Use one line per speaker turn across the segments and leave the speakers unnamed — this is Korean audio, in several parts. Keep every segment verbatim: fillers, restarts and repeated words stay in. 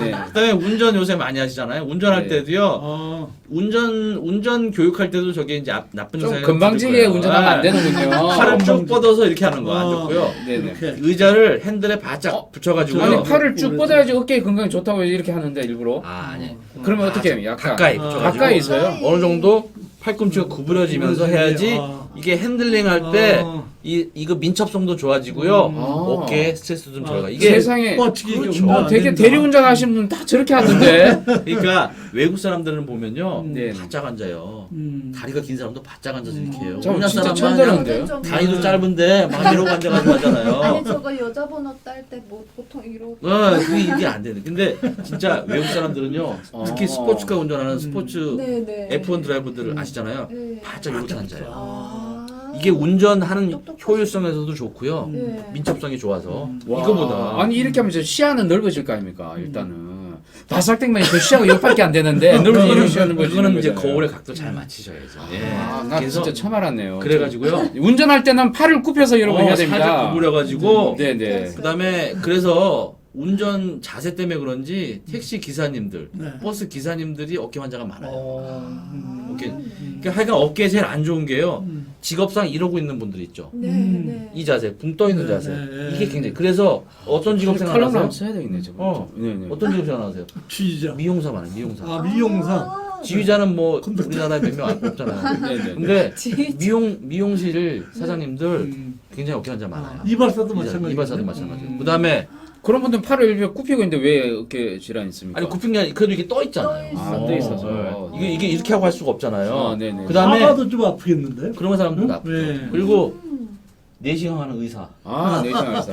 네.
그다음에 운전 요새 많이 하시잖아요. 운전할
네.
때도요.
어.
운전 운전 교육할 때도 저게 이제 앞- 나쁜
좀
생각이
건방지게
들 거예요.
운전하면 안
네.
되는군요.
팔을 쭉
건방지.
뻗어서 이렇게 하는 거 안
어.
좋고요.
네네.
이렇게.
의자를 핸들에 바짝
어?
붙여가지고요.
아니 팔을 쭉 뻗어야지 어깨 건강에 좋다고 이렇게 하는데 일부러.
아, 아니.
그러면 어떻게 해요? 약간
가까이
아,
붙여가지고
가까이 있어요?
어느 정도 팔꿈치가 구부려지면서 해야지
아.
이게 핸들링 할 때
어.
이 이거 민첩성도 좋아지고요.
음.
아.
어깨 스트레스 좀
아.
덜가. 이게
세상에
뻗치기
그렇죠.
운전
어,
안
되게
된다.
대리운전 하시는 분 다 저렇게 하던데.
그러니까 외국 사람들은 보면요.
네.
바짝 앉아요.
음.
다리가 긴 사람도 바짝 앉아서 이렇게 해요.
저
우리나라
진짜
사람만
천재는데요?
좀-
다리도 짧은데 막 이러고 앉아가지고 하잖아요.
아니 저거 여자 번호 딸 때 뭐 보통 이러고
어, 그게 이게 안 되는. 근데 진짜 외국 사람들은요. 특히
어.
스포츠카 운전하는 스포츠
네네
에프원 드라이버들 아시잖아요.
네.
바짝 이렇게 앉아요.
아.
이게 운전하는
똑똑하시-
효율성에서도 좋고요.
네.
민첩성이 좋아서
와.
이거보다
아니 이렇게 하면 저 시야는 넓어질 거 아닙니까? 일단은 바삭땡만이 그 시야가 여기밖에 안 되는데 넓어지는 시야는 넓어지는
그거는 이제
거잖아요.
거울의 각도 잘 맞추셔야죠. 예.
아, 나
그래서
진짜 처음 알았네요.
그래가지고요.
운전할 때는 팔을 굽혀서 여러분
어,
해야
살짝
됩니다.
구부려가지고
네네.
그다음에 그래서 운전 자세 때문에 그런지 택시 기사님들,
네.
버스 기사님들이 어깨 환자가 많아요.
어. 음.
어깨. 그러니까 하여간 어깨에 제일 안 좋은 게요.
음.
직업상 이러고 있는 분들 있죠.
네,
음.
네.
이 자세, 붕 떠 있는
네,
자세.
네, 네.
이게 굉장히 그래서 어떤 직업
칼럼을
생각하세요?
한번 써야 되겠네 저거.
어.
네네.
어떤 직업 생각하세요?
취지자.
미용사 많아요. 미용사.
아 미용사.
아,
지휘자는 뭐 우리나라에 몇 명 없잖아요.
네네.
근데
지휘자.
미용 미용실 사장님들
음.
굉장히 어깨 환자 많아요.
이발사도 마찬가지.
이발사도 마찬가지고.
음.
그다음에
그런 분들은 팔을 이렇게 굽히고 있는데 왜 어깨 질환 있습니까?
아니 굽힌 게 아니라 그래도 이게 떠 있잖아요.
떠
아,
있어.
떠 있어서.
네. 이게 이게 이렇게 하고 할 수가 없잖아요.
아, 네네.
그다음에
사과도 좀 아프겠는데.
그런 사람도
응?
나쁘죠.
네.
그리고
음.
내시경 하는 의사.
아, 내시경에서.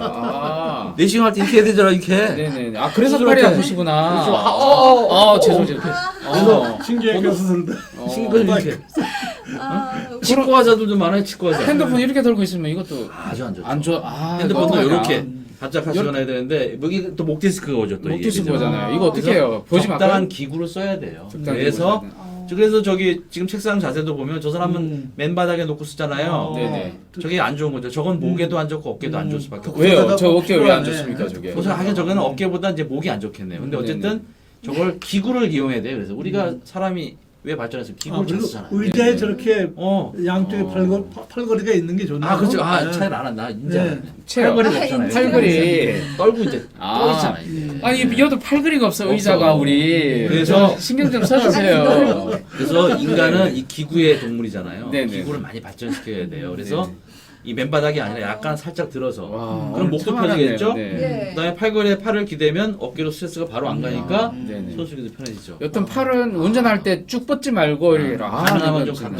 아.
내시경 할 때 이렇게 해야 되잖아, 이렇게.
네네. 아, 그래서
수술할
팔이
때.
아프시구나.
그래서 아, 어, 어, 어,
아, 죄송, 죄송.
그래서
신기하게 수술도.
어.
친구들 이렇게.
아,
치과 화자들도 많아요, 치과 화자.
핸드폰 이렇게 들고 있으면 이것도
아주 안 좋죠.
안 좋아. 아,
핸드폰도
어떡하냐.
이렇게 바짝 하시거나 해야 되는데 여기 또 목 디스크가 오죠, 또
목
이게.
디스크
그죠?
거잖아요. 이거 어떻게 해요? 보지 마.
적당한 기구를 써야 돼요. 그래서
어.
그래서 저기 지금 책상 자세도 보면 저 사람은
음.
맨바닥에 놓고 쓰잖아요.
어.
네네.
저게 안 좋은 거죠. 저건 목에도 안 좋고 어깨도 안
음.
좋을 수밖에 없고.
왜요? 저 어깨 왜 안
피곤하네.
좋습니까, 저게?
그래서 하긴 저거는 어깨보다 이제 목이 안 좋겠네요. 근데
네네.
어쨌든 저걸 기구를 이용해야 돼요. 그래서 우리가 사람이 왜 발전해서
아,
기구를 잘
그리고
쓰잖아요.
의자에
네네.
저렇게
어.
양쪽에
어.
팔걸, 팔걸이가 있는 게 좋네요.
아 그렇죠. 아
네.
차이를 안 한다. 인제
네.
체어.
팔걸이가
아,
없잖아요.
인제.
팔걸이.
떨고 이제
아.
떠 있잖아요. 이게.
아니, 여도 팔걸이가 없어,
없어.
의자가 우리.
그래서-
신경 좀 써주세요.
그래서 인간은 이 기구의 동물이잖아요.
네네.
기구를 많이 발전시켜야 돼요. 그래서
네네.
이 맨바닥이 아니라 약간 살짝 들어서
와,
그럼 목도
참 알았네요.
펴지겠죠?
네.
네.
그다음에 팔걸이에 팔을 기대면 어깨로 스트레스가 바로 안 가니까
아, 네네.
손수기도 편해지죠.
여튼 팔은 운전할 때 쭉 뻗지 말고 이렇게 아,
가능하면
이거
좀
참-